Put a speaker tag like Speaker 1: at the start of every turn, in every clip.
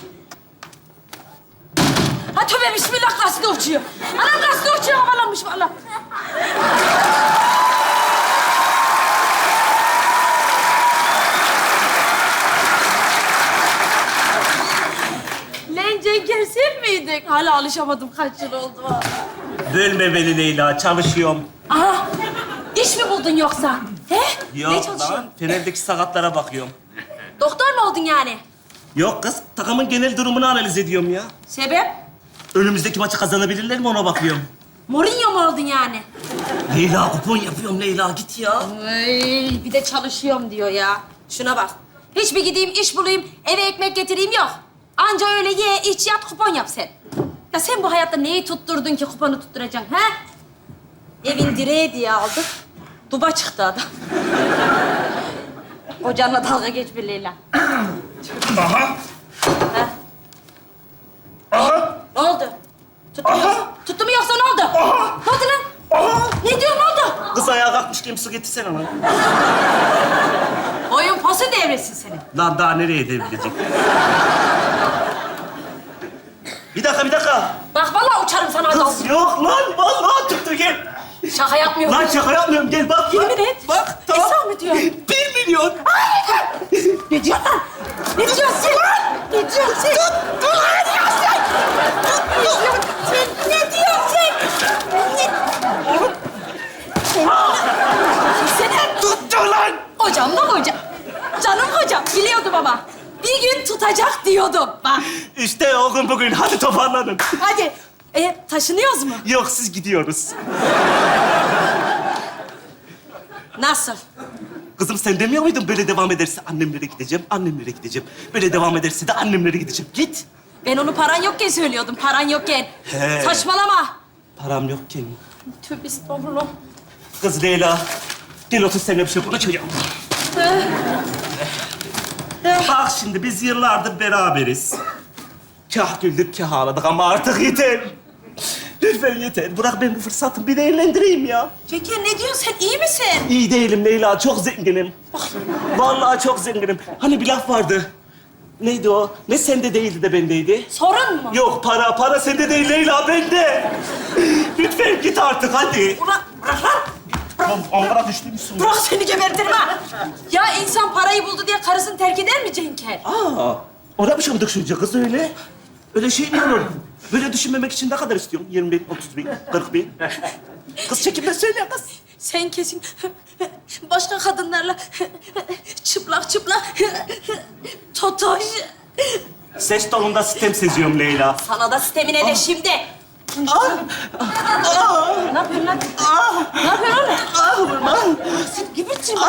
Speaker 1: Ha tövbe bismillah gazete uçuyor. Anam gazete uçuyor havalanmış valla. Lan Cenker sen miydin? Hala alışamadım kaç yıl oldu valla.
Speaker 2: Bölme beni Leyla, çalışıyorum.
Speaker 1: Aha iş mi buldun yoksa? He? Ne
Speaker 2: Yok
Speaker 1: çalışıyorsun?
Speaker 2: lan, Fener'deki sakatlara bakıyorum.
Speaker 1: Doktor mu oldun yani?
Speaker 2: Yok kız, takımın genel durumunu analiz ediyorum ya.
Speaker 1: Sebep?
Speaker 2: Önümüzdeki maçı kazanabilirler mi ona bakıyorum.
Speaker 1: Mourinho mu oldun yani?
Speaker 2: Leyla, kupon yapıyorum Leyla, git ya.
Speaker 1: Ay, bir de çalışıyorum diyor ya. Şuna bak. Hiç bir gideyim, iş bulayım, eve ekmek getireyim yok. Anca öyle ye, iç, yat, kupon yap sen. Ya sen bu hayatta neyi tutturdun ki kuponu tutturacaksın, ha? Evin direği diye aldık. Duba çıktı adam. Kocanla dalga geçme Leyla.
Speaker 2: Aha,
Speaker 1: Ha?
Speaker 2: aha,
Speaker 1: Ne oldu? Tuttu mu yoksa? Tuttu mu yoksa ne oldu?
Speaker 2: Aha!
Speaker 1: Ne oldu lan?
Speaker 2: aha.
Speaker 1: Ne diyorsun, ne oldu?
Speaker 2: Kız ayağa kalkmışken su getirsene lan.
Speaker 1: Oyun posu devresin senin.
Speaker 2: Lan daha nereye devrilecek? Bir dakika.
Speaker 1: Bak vallahi uçarım sana adam.
Speaker 2: Kız yok lan, vallahi tuttu gel.
Speaker 1: Şaka yapmıyorum.
Speaker 2: Lan şaka yapmıyorum, gel bak.
Speaker 1: Yemin et.
Speaker 2: Bak,
Speaker 1: Esra mı diyor?
Speaker 2: 1 milyon.
Speaker 1: Ne diyorsun lan? Ne diyorsun sen? Ne diyorsun sen? Dur lan! Ne diyorsun sen? Ne diyorsun sen? Ne diyorsun sen?
Speaker 2: Oğlum,
Speaker 1: Senin
Speaker 2: tuttu lan.
Speaker 1: hocam da hocam. Canım hocam biliyordum ama. Bir gün tutacak diyordum. Bak
Speaker 2: İşte o gün bugün, hadi toparlanın.
Speaker 1: hadi. Taşınıyoruz mu?
Speaker 2: Yok, siz gidiyoruz.
Speaker 1: Nasıl?
Speaker 2: Kızım sen demiyor muydun böyle devam ederse annemlere gideceğim, annemlere gideceğim. Böyle devam ederse de annemlere gideceğim. Git.
Speaker 1: Ben onu paran yokken söylüyordum. Paran yokken.
Speaker 2: He.
Speaker 1: Saçmalama.
Speaker 2: Param yokken.
Speaker 1: Tövbe estağfurullah.
Speaker 2: Kız Leyla, gel otur seninle bir şey konuşacağım. Bak şimdi biz yıllardır beraberiz. Kah güldük, kah ağladık ama artık yeter. Lütfen yeter. Bırak ben bu fırsatı bir değerlendireyim ya.
Speaker 1: Cenker ne diyorsun sen? İyi misin?
Speaker 2: İyi değilim Leyla, çok zenginim. Vallahi çok zenginim. Hani bir laf vardı. Neydi o? Ne sende değildi de bendeydi?
Speaker 1: Sorun mu?
Speaker 2: Yok, para sende değil Leyla, bende. Lütfen git artık, hadi.
Speaker 1: Bırak lan.
Speaker 2: Tamam, Ankara düştüymüşsün.
Speaker 1: Bırak seni gebertirim ha. Ya insan parayı buldu diye karısını terk eder mi Cenker?
Speaker 2: Aa, ona mı şamdık şunca kız öyle? Öyle şey mi olur? Böyle düşünmemek için ne kadar istiyorsun? 20 bin, 30 bin, 40 bin. Kız çekinme söyle kız.
Speaker 1: Sen kesin başka kadınlarla çıplak totoş.
Speaker 2: Ses tonunda sitem seziyorum Leyla.
Speaker 1: Sana da sitemine de şimdi. Ne yapıyorsun lan? Ne yapıyorsun oğlum? Sen gibisin.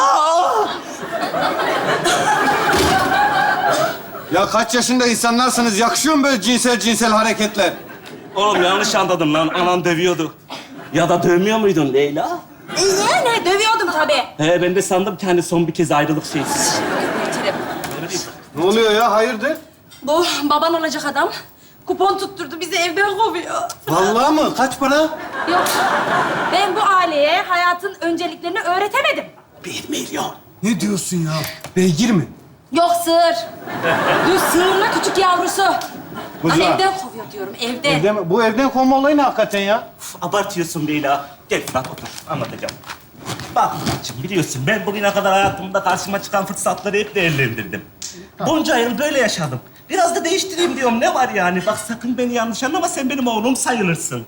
Speaker 3: Ya kaç yaşında insanlarsınız? Yakışıyor mu böyle cinsel hareketler?
Speaker 2: Oğlum yanlış anladın lan. Anan dövüyordu. Ya da dövmüyor muydun Leyla?
Speaker 1: Ne? Dövüyordum tabii.
Speaker 2: He, ben de sandım ki hani son bir kez ayrılık şeyi.
Speaker 1: Gebertirim.
Speaker 3: Ne oluyor ya? Hayırdır?
Speaker 1: Bu baban olacak adam. Kupon tutturdu, bizi evden kovuyor.
Speaker 3: Vallahi mı? Kaç para?
Speaker 1: Yok, ben bu aileye hayatın önceliklerini öğretemedim.
Speaker 2: 1 milyon.
Speaker 3: Ne diyorsun ya? Beygir mi?
Speaker 1: Yok sığır. Düz sığırla küçük yavrusu.
Speaker 3: Kuzu.
Speaker 1: Lan evden kovuyor diyorum, evden.
Speaker 3: Evden mi? Bu evden kovma olayı ne hakikaten ya?
Speaker 2: Uf, abartıyorsun Leyla. Gel Fırat otur, anlatacağım. Bak Fırat'cığım, biliyorsun ben bugüne kadar hayatımda karşıma çıkan fırsatları hep değerlendirdim. Bunca yıl böyle yaşadım. Biraz da değiştireyim diyorum, ne var yani? Bak sakın beni yanlış anlama, sen benim oğlum sayılırsın.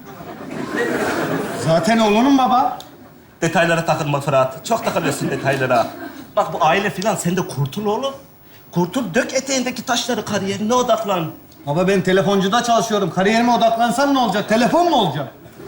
Speaker 3: Zaten oğlunun baba.
Speaker 2: Detaylara takılma Fırat. Çok takılıyorsun detaylara. Bak bu aile filan, sen de kurtul oğlum. Kurtul, dök eteğindeki taşları, kariyerine odaklan.
Speaker 3: Baba ben telefoncuda çalışıyorum. Kariyerime odaklansam ne olacak? Telefon mu olacak?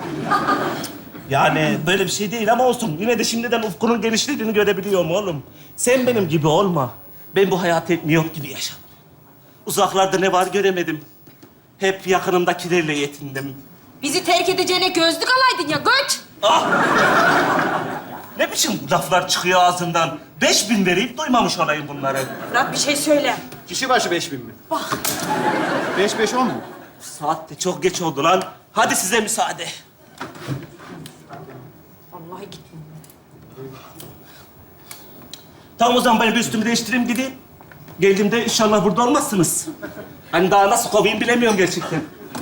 Speaker 2: Yani böyle bir şey değil ama olsun. Yine de şimdiden ufkunun genişlediğini görebiliyorum oğlum. Sen benim gibi olma. Ben bu hayatı hep miyop gibi yaşadım. Uzaklarda ne var göremedim. Hep yakınımdakilerle yetindim.
Speaker 1: Bizi terk edeceğine gözlük alaydın ya, göç.
Speaker 2: Ah! Ne biçim laflar çıkıyor ağzından? 5000 verip duymamış olayım bunları.
Speaker 1: Fırat bir şey söyle.
Speaker 3: Kişi başı 5000 mi?
Speaker 1: Bak.
Speaker 3: 5 10 mu?
Speaker 2: Saat de çok geç oldu lan. Hadi size müsaade.
Speaker 1: Vallahi gitmiyor.
Speaker 2: Tamam o zaman ben bir üstümü değiştireyim gideyim. Geldiğimde inşallah burada olmazsınız. Hani daha nasıl kovayım bilemiyorum gerçekten.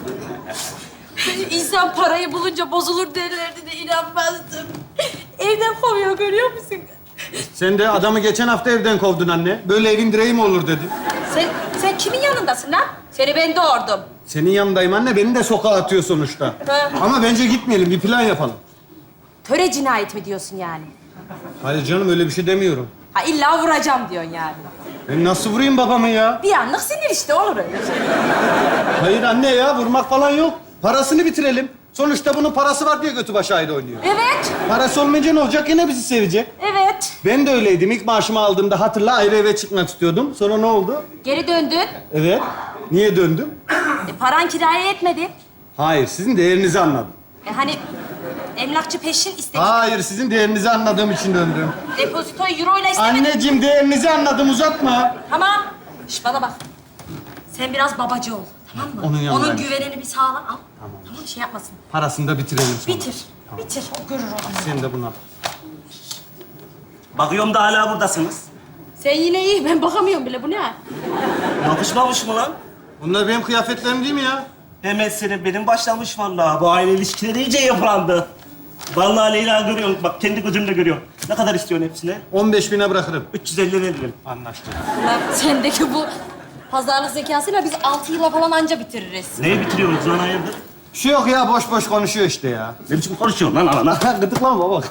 Speaker 1: İnsan parayı bulunca bozulur derlerdi de inanmazdım. Evden kovuyor, görüyor musun?
Speaker 3: Sen de adamı geçen hafta evden kovdun anne. Böyle evin direği mi olur dedin.
Speaker 1: Sen kimin yanındasın lan? Seni ben doğurdum.
Speaker 3: Senin yanındayım anne. Beni de sokağa atıyor sonuçta.
Speaker 1: Ha.
Speaker 3: Ama bence gitmeyelim. Bir plan yapalım.
Speaker 1: Töre cinayet mi diyorsun yani?
Speaker 3: Hayır canım öyle bir şey demiyorum.
Speaker 1: Ha illa vuracağım diyorsun yani.
Speaker 3: Ben nasıl vurayım babamı ya?
Speaker 1: Bir anlık sinir işte, olur öyle şey.
Speaker 3: Hayır anne ya. Vurmak falan yok. Parasını bitirelim. Sonuçta bunun parası var diye götü başı ayrı oynuyor.
Speaker 1: Evet,
Speaker 3: Parası olmayınca ne olacak? Yine bizi sevecek.
Speaker 1: evet.
Speaker 3: Ben de öyleydim. İlk maaşımı aldığımda hatırla ayrı eve çıkmak istiyordum. Sonra ne oldu?
Speaker 1: Geri döndün.
Speaker 3: Evet. Niye döndüm?
Speaker 1: Paran kiraya yetmedi.
Speaker 3: Hayır, sizin değerinizi anladım.
Speaker 1: Hani emlakçı peşin istedi.
Speaker 3: Hayır, sizin değerinizi anladığım için döndüm.
Speaker 1: Depozitoyu euro ile istemedi.
Speaker 3: Anneciğim değerinizi anladım, uzatma.
Speaker 1: Tamam. Şş, bana bak. Sen biraz babacı ol, tamam mı?
Speaker 3: Onun yanındayım.
Speaker 1: güvenini bir sağla al. Tamam, şey yapmasın.
Speaker 3: Parasını da bitirelim sonra.
Speaker 1: Bitir. Bitir. O görür onu.
Speaker 3: Sen de buna.
Speaker 2: Bakıyorum da hala buradasınız.
Speaker 1: Sen yine iyi. Ben bakamıyorum bile. Bu ne?
Speaker 2: Yapışmamış mı lan?
Speaker 3: Bunlar benim kıyafetlerim değil mi ya?
Speaker 2: Hemen senin benim başlamış vallahi. Bu aile ilişkileri iyice yıprandı. Vallahi Leyla görüyorum. Bak kendi gözümle görüyorum. Ne kadar istiyorsun hepsine?
Speaker 3: 15.000'e bırakırım.
Speaker 2: 350 veririm. Anlaştık.
Speaker 1: Ulan sendeki bu pazarlık zekasıyla biz 6 yıla falan anca bitiririz.
Speaker 2: Neyi bitiriyorsunuz lan hayırdır?
Speaker 3: Bir şey yok ya, boş boş konuşuyor işte ya.
Speaker 2: Ne biçim konuşuyorsun lan anana?
Speaker 3: Gıdıklama baba.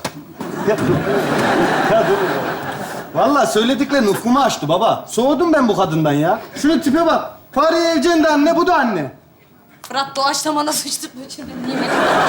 Speaker 3: Ya dur. Vallahi söylediklerin ufkumu açtı baba. Soğudum ben bu kadından ya. Şunun tipe bak. Fahriye Evcen de anne, bu da anne.
Speaker 1: Fırat doğaçlamana sıçtık bütün nimet.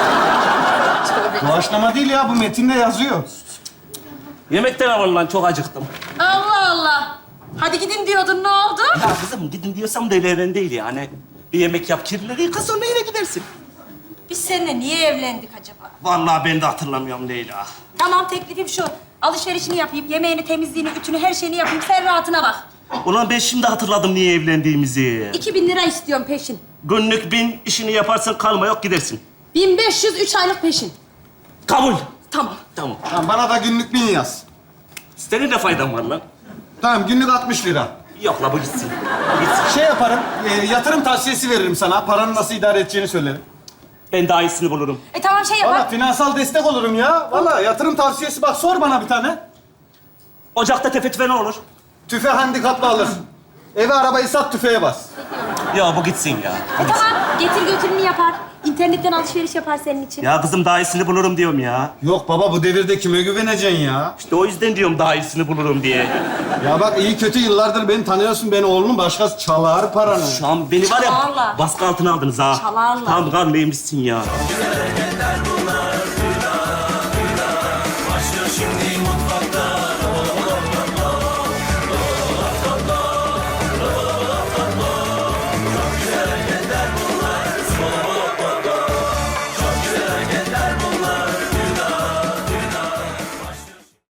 Speaker 1: Tövbe.
Speaker 3: Doğaçlama değil ya, bu metinde yazıyor.
Speaker 2: Yemekten alın lan çok acıktım.
Speaker 1: Allah Allah. Hadi gidin diyordun, ne oldu?
Speaker 2: Ya kızım gidin diyorsam da evlen değil yani. Bir yemek yap, kirlileri yıka sonra yine gidersin.
Speaker 1: Biz seninle niye evlendik acaba?
Speaker 2: Vallahi ben de hatırlamıyorum Leyla.
Speaker 1: Tamam, teklifim şu. Alışverişini yapayım, yemeğini, temizliğini, ütünü, her şeyini yapayım. Sen rahatına bak.
Speaker 2: Ulan ben şimdi hatırladım niye evlendiğimizi.
Speaker 1: 2000 lira istiyorum peşin.
Speaker 2: Günlük 1000 işini yaparsan kalma yok gidersin.
Speaker 1: 1500 3 aylık peşin.
Speaker 2: Kabul.
Speaker 1: Tamam.
Speaker 2: Tamam.
Speaker 3: Tamam, bana da günlük 1000 yaz.
Speaker 2: Senin de faydan var lan.
Speaker 3: Tamam, günlük 60 lira.
Speaker 2: Yok la bu gitsin. Gitsin.
Speaker 3: Şey yaparım, yatırım tavsiyesi veririm sana. Paranı nasıl idare edeceğini söylerim.
Speaker 2: Ben daha iyisini bulurum.
Speaker 1: Tamam, şey
Speaker 3: Valla
Speaker 1: yapar.
Speaker 3: finansal destek olurum ya. Valla yatırım tavsiyesi bak, sor bana bir tane.
Speaker 2: Ocakta tefe tüfe ne olur?
Speaker 3: Tüfe handikaplı alır. Eve arabayı sat, tüfeğe bas.
Speaker 2: Ya bu gitsin ya.
Speaker 1: Tamam, getir götürünü yapar. İnternetten alışveriş yapar senin için.
Speaker 2: Ya kızım daha iyisini bulurum diyorum ya.
Speaker 3: Yok baba, bu devirde kime güveneceksin ya?
Speaker 2: İşte o yüzden diyorum daha iyisini bulurum diye.
Speaker 3: Ya bak, iyi kötü yıllardır beni tanıyorsun. Ben oğlunun başkası çalar paranı.
Speaker 2: Şu an beni var ya
Speaker 1: Çalarlar.
Speaker 2: baskı altına aldınız ha.
Speaker 1: Çalarlar.
Speaker 2: Tam kan neymişsin ya.